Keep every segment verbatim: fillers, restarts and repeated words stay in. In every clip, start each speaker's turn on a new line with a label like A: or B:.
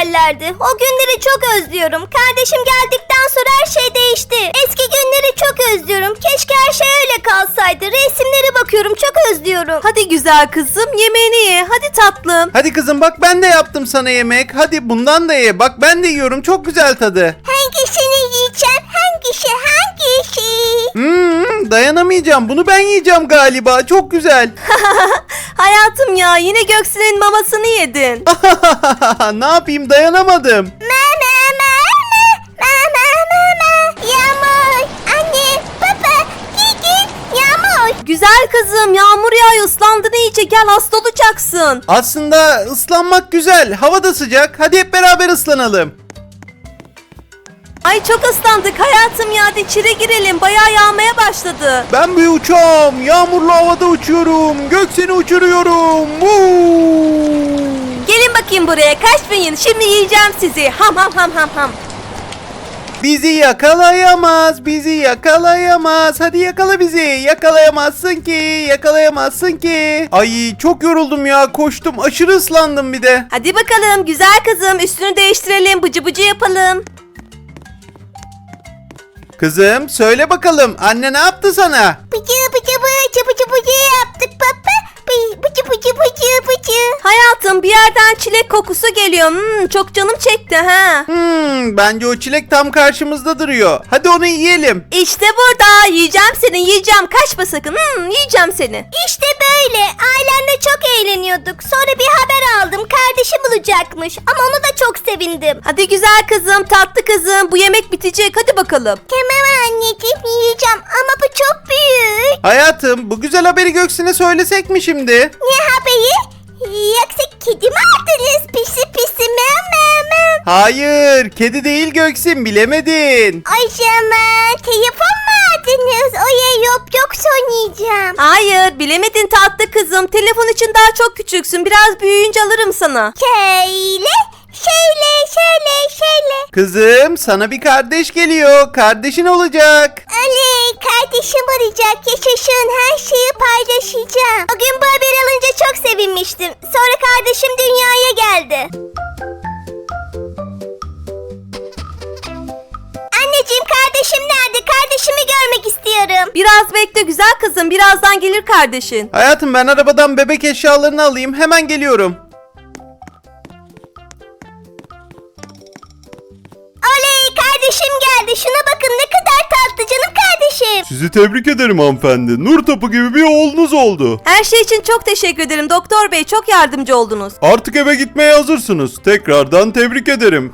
A: yerlerdi. O günleri çok özlüyorum. Kardeşim geldikten sonra her şey değişti. Eski günleri çok özlüyorum. Keşke her şey öyle kalsaydı. Resimlere bakıyorum, çok özlüyorum.
B: Hadi güzel kızım, yemeğini ye. Hadi tatlım.
C: Hadi kızım bak ben de yaptım sana yemek. Hadi bundan da ye. Bak ben de yiyorum. Çok güzel tadı.
A: Hangisini yiyeceğim? Hangisi? Hangisi?
C: Hmm, dayanamayacağım. Bunu ben yiyeceğim galiba. Çok güzel.
B: Hayatım ya, yine Göksin'in mamasını yedin.
C: Ne yapayım, dayanamadım.
A: Mama, mama, mama, mama. Yağmur, anne, baba, Gigi, Yağmur.
B: Güzel kızım, yağmur yağıyor, ıslandın iyice, gel hasta olacaksın.
C: Aslında ıslanmak güzel. Hava da sıcak. Hadi hep beraber ıslanalım.
B: Ay çok ıslandık hayatım ya, hadi içeri girelim, bayağı yağmaya başladı.
C: Ben bir uçağım. Yağmurlu havada uçuyorum. Gökseni uçuruyorum. Woo!
B: Gelin bakayım buraya, kaçmayın, şimdi yiyeceğim sizi. Ham ham ham ham ham.
C: Bizi yakalayamaz, bizi yakalayamaz. Hadi yakala bizi. Yakalayamazsın ki, yakalayamazsın ki. Ay çok yoruldum ya, koştum. Aşırı ıslandım bir de.
B: Hadi bakalım güzel kızım, üstünü değiştirelim, bıcı bıcı yapalım.
C: Kızım söyle bakalım, anne ne yaptı sana?
A: Bıcı bıcı bıcı bıcı bıcı yaptık baba. Bıcı bıcı bıcı bıcı bıcı.
B: Hayatım bir yerden çilek kokusu geliyor. Hmm, çok canım çekti ha.
C: Hmm, bence o çilek tam karşımızda duruyor. Hadi onu yiyelim.
B: İşte burada, yiyeceğim seni, yiyeceğim, kaçma sakın. Hmm, yiyeceğim seni.
A: İşte böyle. Ailemle çok eğleniyorduk. Sonra bir haber aldım. Kardeşim olacakmış. Ama onu da çok sevindim.
B: Hadi güzel kızım, tatlı kızım, bu yemek bitecek, hadi bakalım.
A: Tamam anneciğim, yiyeceğim ama bu çok büyük.
C: Hayatım bu güzel haberi Göksin'e söylesek mi şimdi?
A: Ne haberi? Yoksa kedi mi aldınız? Pisi pisi mama.
C: Hayır, kedi değil Göksin, bilemedin.
A: O zaman telefon mu aldınız? Oya yok yok oynayacağım.
B: Hayır, bilemedin tatlı kızım, telefon için daha çok küçüksün, biraz büyüyünce alırım sana.
A: Şöyle, şöyle, şöyle, şöyle.
C: Kızım sana bir kardeş geliyor, kardeşin olacak.
A: Oley, kardeşim olacak. Yaşasın, her şeyi paylaşacağım. O gün bu haberi alınca çok sevinmiştim. Sonra kardeşim dünyaya geldi. Anneciğim, kardeşim nerede? Kardeşimi görmek istiyorum.
B: Biraz bekle güzel kızım, birazdan gelir kardeşin.
C: Hayatım ben arabadan bebek eşyalarını alayım, hemen geliyorum.
A: Oley, kardeşim geldi. Şuna bakın, ne kadar tatlı canım kardeşim.
C: Sizi tebrik ederim hanımefendi. Nur topu gibi bir oğlunuz oldu.
B: Her şey için çok teşekkür ederim doktor bey, çok yardımcı oldunuz.
C: Artık eve gitmeye hazırsınız. Tekrardan tebrik ederim.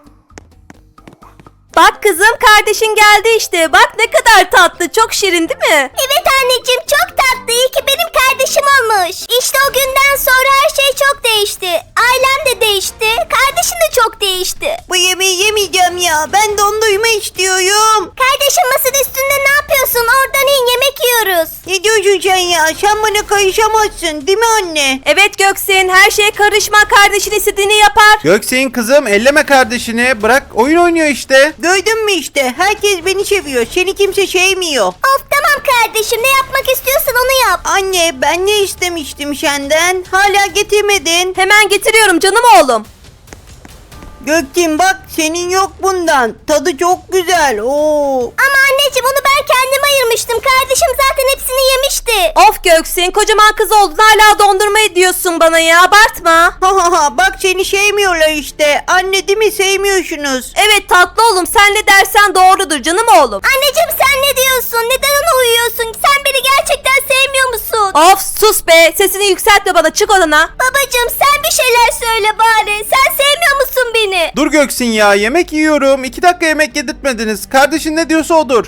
B: Bak kızım, kardeşin geldi işte, bak ne kadar tatlı, çok şirin değil mi?
A: Evet anneciğim, çok tatlı. İyi ki benim kardeşim olmuş. İşte o günden sonra her şey çok değişti. Ailem de değişti. Kardeşim de çok değişti.
B: Bu yemeği yemeyeceğim ya, ben dondurma istiyorum.
A: Kardeşim, masanın üstünde ne yapıyorsun? Oradan in, yemek yiyoruz.
B: Ne diyorsun sen ya, sen bana karışamazsın değil mi anne? Evet Göksin, her şeye karışma, kardeşin istediğini yapar.
C: Göksin kızım elleme kardeşini. Bırak, oyun oynuyor işte.
B: Gördün mü işte, herkes beni seviyor, seni kimse sevmiyor.
A: Of tamam kardeşim, ne yapmak istiyorsan onu yap.
B: Anne, ben ne istemiştim senden? Hala getirmedin. Hemen getiriyorum canım oğlum. Gökçin bak, senin yok bundan. Tadı çok güzel. Oo.
A: Ama anneciğim, onu ben kendim ayırmıştım. Kardeşim zaten hepsini yemişti.
B: Of Göksin, kocaman kız oldun hala dondurma ediyorsun bana ya, abartma. Ha ha ha, bak seni sevmiyorlar işte. Anne değil mi, sevmiyorsunuz. Evet tatlı oğlum, sen ne dersen doğrudur canım oğlum.
A: Anneciğim, sen ne diyorsun? Neden ona uyuyorsun? Sen beni gerçekten sevmiyor musun?
B: Of sus be, sesini yükseltme bana, çık odana.
A: Babacığım, sen bir şeyler söyle bari. Sen sevmiyor musun beni?
C: Dur Göksin ya, yemek yiyorum. İki dakika yemek yedirtmediniz. Kardeşin ne diyorsa odur.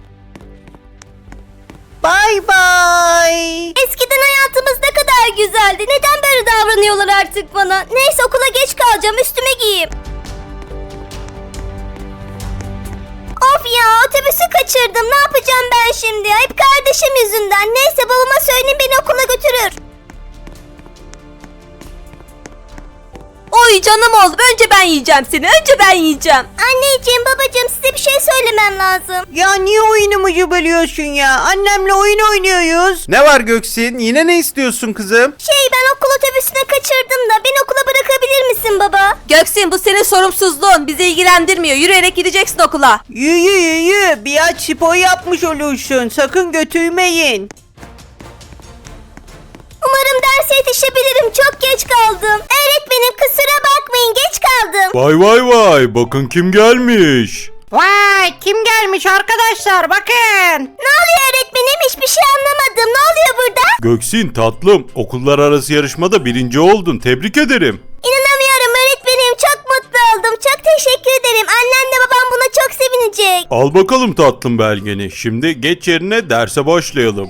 B: Bye bye.
A: Eskiden hayatımız ne kadar güzeldi. Neden böyle davranıyorlar artık bana? Neyse, okula geç kalacağım. Üstüme giyeyim. Of ya, otobüsü kaçırdım. Ne yapacağım ben şimdi? Hep kardeşim yüzünden. Neyse, babama söyleyeyim, beni okula götürür.
B: Oy canım oğlum, önce ben yiyeceğim seni, önce ben yiyeceğim.
A: Anneciğim babacığım size bir şey söylemem lazım.
D: Ya niye oyunumuzu bölüyorsun ya? Annemle oyun oynuyoruz.
C: Ne var Göksin? Yine ne istiyorsun kızım?
A: Şey ben okul otobüsüne kaçırdım da beni okula bırakabilir misin baba?
B: Göksin, bu senin sorumsuzluğun, bizi ilgilendirmiyor. Yürüyerek gideceksin okula.
D: Yürü yürü. Biraz spor yapmış olursun. Sakın götürmeyin.
A: Umarım derse yetişebilirim. Çok geç kaldım. Öğretmenim kusura bakmayın geç kaldım.
E: Vay vay vay, bakın kim gelmiş.
D: Vay kim gelmiş arkadaşlar bakın.
A: Ne oluyor öğretmenim? Hiçbir şey anlamadım. Ne oluyor burada?
E: Göksin tatlım, okullar arası yarışmada birinci oldun, tebrik ederim.
A: İnanamıyorum öğretmenim. Çok mutlu oldum. Çok teşekkür ederim. Annemle babam buna çok sevinecek.
E: Al bakalım tatlım belgeni, şimdi geç yerine derse başlayalım.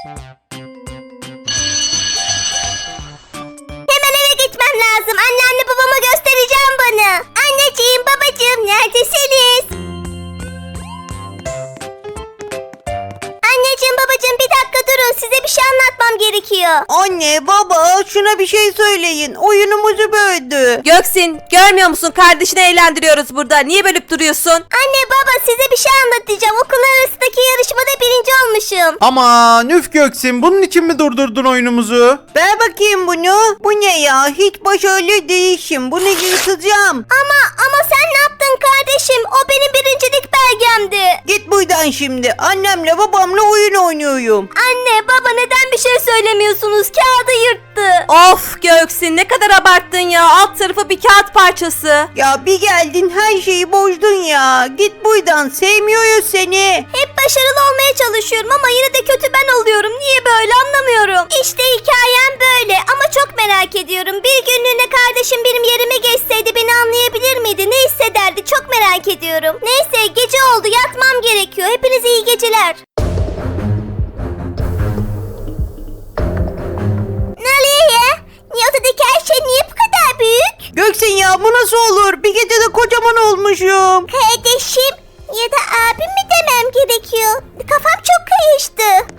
A: Hemen eve gitmem lazım. Annemle babama göstereceğim bunu. Anneciğim babacığım neredesiniz? Anneciğim babacığım bir dakika durun. Size bir şey anlatmam gerekiyor.
D: Anne baba şuna bir şey söyleyin. Oyunumuzu böldü.
B: Göksin, görmüyor musun? Kardeşini eğlendiriyoruz burada. Niye bölüp duruyorsun?
A: Anne baba size bir şey anlatacağım. Okullar arasındaki yarışmada birinci olmuşum.
C: Aman üf Göksin, bunun için mi durdurdun oyunumuzu?
D: Ver bakayım bunu. Bu ne ya? Hiç başarılı değilsin. Bunu yırtacağım.
A: Ama ama sen ne yaptın kardeşim? O benim birincilik belgemdi.
D: Git buradan şimdi. Annemle babamla oyun oynuyorum.
A: Anne baba neden bir şey söylemiyorsunuz? Kağıdı yırttı.
B: Of Göksin, ne kadar abarttın ya. Alt tarafı bir kağıt parçası.
D: Ya bir geldin her şeyi bozdun ya. Git buradan. Sevmiyoruz seni.
A: Hep başarılı olmaya çalışıyorum ama yine de kötü ben oluyorum. Niye böyle anlamıyorum. İşte hikayem böyle ama çok merak ediyorum. Bir günlüğüne kardeşim benim yerime geçseydi beni anlayabilir miydi? Ne hissederdi? Çok merak ediyorum. Neyse gece oldu yatmam gerekiyor. Hepinize iyi geceler. Ne oluyor ya? Niye odadaki her şey niye bu kadar büyük?
D: Göksin ya bu nasıl olur? Bir gecede kocaman olmuşum.
A: Kardeşim ya da abim mi demem gerekiyor? Kafam çok karıştı.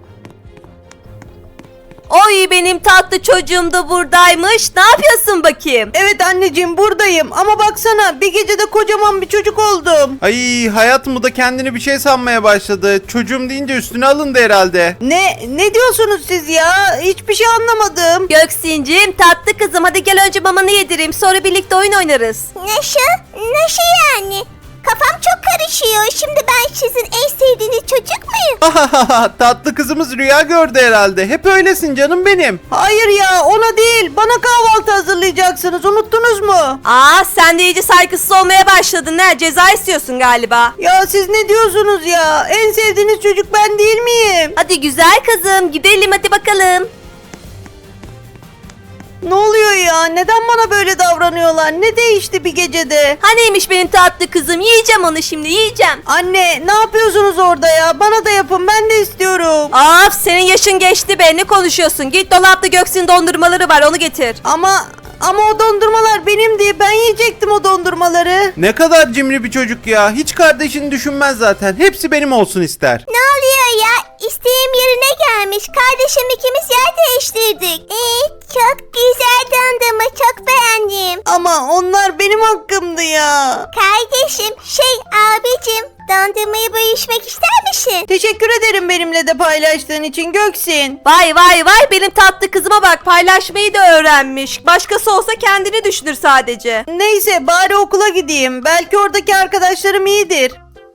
B: Oy benim tatlı çocuğum da buradaymış. Ne yapıyorsun bakayım?
D: Evet anneciğim buradayım ama baksana bir gecede kocaman bir çocuk oldum.
C: Ay hayatım, bu da kendini bir şey sanmaya başladı. Çocuğum deyince üstüne alındı herhalde.
D: Ne ne diyorsunuz siz ya? Hiçbir şey anlamadım.
B: Göksincim, tatlı kızım, hadi gel önce mamanı yedireyim, sonra birlikte oyun oynarız.
A: Nasıl? Nasıl yani? Kafam çok karışıyor. Şimdi ben sizin en sevdiğiniz çocuk muyum?
C: Tatlı kızımız rüya gördü herhalde. Hep öylesin canım benim.
D: Hayır ya ona değil. Bana kahvaltı hazırlayacaksınız. Unuttunuz mu?
B: Aa, sen de iyice saygısız olmaya başladın ha. Ceza istiyorsun galiba.
D: Ya siz ne diyorsunuz ya? En sevdiğiniz çocuk ben değil miyim?
B: Hadi güzel kızım, gidelim hadi bakalım.
D: Ne oluyor ya? Neden bana böyle davranıyorlar? Ne değişti bir gecede?
B: Haneymiş benim tatlı kızım, yiyeceğim onu şimdi, yiyeceğim.
D: Anne ne yapıyorsunuz orada ya? Bana da yapın ben de istiyorum.
B: Af, senin yaşın geçti be, ne konuşuyorsun? Git dolapta Göksin dondurmaları var, onu getir.
D: Ama ama o dondurmalar benim diye ben yiyecektim o dondurmaları.
C: Ne kadar cimri bir çocuk ya. Hiç kardeşini düşünmez zaten. Hepsi benim olsun ister.
A: Ne oluyor ya? İsteğim yerine gelmiş. Kardeşim ikimiz yer değiştirdik. Ee, çok güzel dondurma. Çok beğendim.
D: Ama onlar benim hakkımdı ya.
A: Kardeşim şey abicim dondurmayı bölüşmek ister misin?
D: Teşekkür ederim benimle de paylaştığın için Göksin.
B: Vay vay vay, benim tatlı kızıma bak, paylaşmayı da öğrenmiş. Başkası olsa kendini düşünür sadece.
D: Neyse bari okula gideyim. Belki oradaki arkadaşlarım iyidir.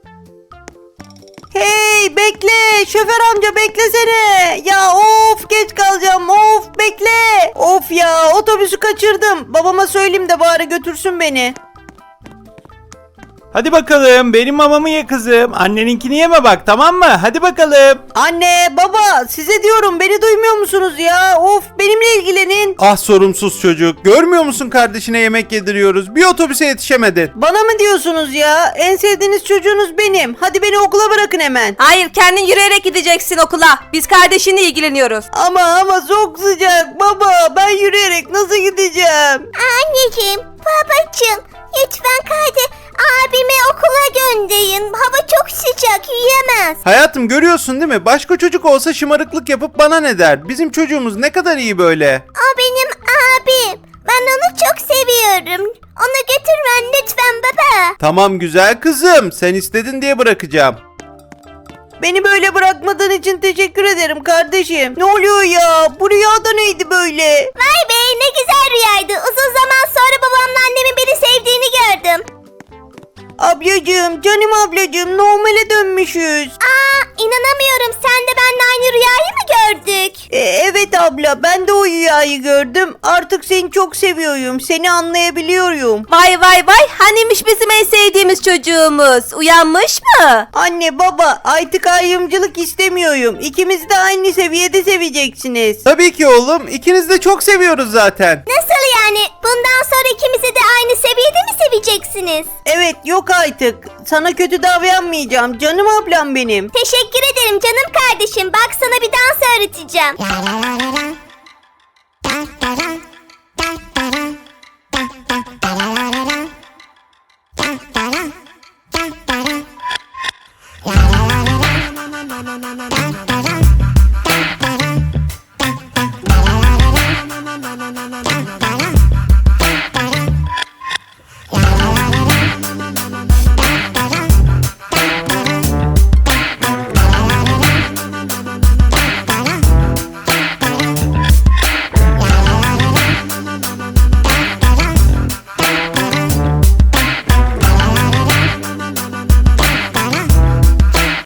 D: Hey bekle şoför amca beklesene. Ya of geç kalacağım of bekle. Of ya otobüsü kaçırdım. Babama söyleyeyim de bari götürsün beni.
F: Hadi bakalım, benim mamamı ye kızım. Anneninkini yeme bak, tamam mı? Hadi bakalım.
D: Anne baba size diyorum beni duymuyor musunuz ya? Of benimle ilgilenin.
C: Ah sorumsuz çocuk. Görmüyor musun kardeşine yemek yediriyoruz. Bir otobüse yetişemedin.
D: Bana mı diyorsunuz ya? En sevdiğiniz çocuğunuz benim. Hadi beni okula bırakın hemen.
B: Hayır, kendin yürüyerek gideceksin okula. Biz kardeşinle ilgileniyoruz.
D: Ama ama çok sıcak baba. Ben yürüyerek nasıl gideceğim?
A: Anneciğim, babacığım lütfen kardeş abimi okula gönderin. Hava çok sıcak yiyemez.
C: Hayatım görüyorsun değil mi? Başka çocuk olsa şımarıklık yapıp bana ne der? Bizim çocuğumuz ne kadar iyi böyle.
A: O benim abim. Ben onu çok seviyorum. Onu götürmen lütfen baba.
C: Tamam güzel kızım, sen istedin diye bırakacağım.
D: Beni böyle bırakmadığın için teşekkür ederim kardeşim. Ne oluyor ya? Bu rüyada neydi böyle?
A: Vay be ne güzel rüyaydı. Uzun zaman sonra babamla annemin beni sevdiğini gördüm.
D: Ablacığım, canım ablacığım, normale dönmüşüz.
A: Aa inanamıyorum, sen de benimle aynı rüyayı mı gördük?
D: E, evet abla, ben de o rüyayı gördüm. Artık seni çok seviyorum. Seni anlayabiliyorum.
B: Vay vay vay, hanimiş bizim en sevdiğimiz çocuğumuz? Uyanmış mı?
D: Anne baba, artık ayrımcılık istemiyorum. İkimiz de aynı seviyede seveceksiniz.
C: Tabii ki oğlum, ikiniz de çok seviyoruz zaten.
A: Nasıl yani? Bundan sonra ikimizi de aynı seviyede mi seveceksiniz?
D: Evet, yok artık. Sana kötü davranmayacağım. Canım ablam benim.
A: Teşekkür ederim canım kardeşim. Bak sana bir dans öğreteceğim.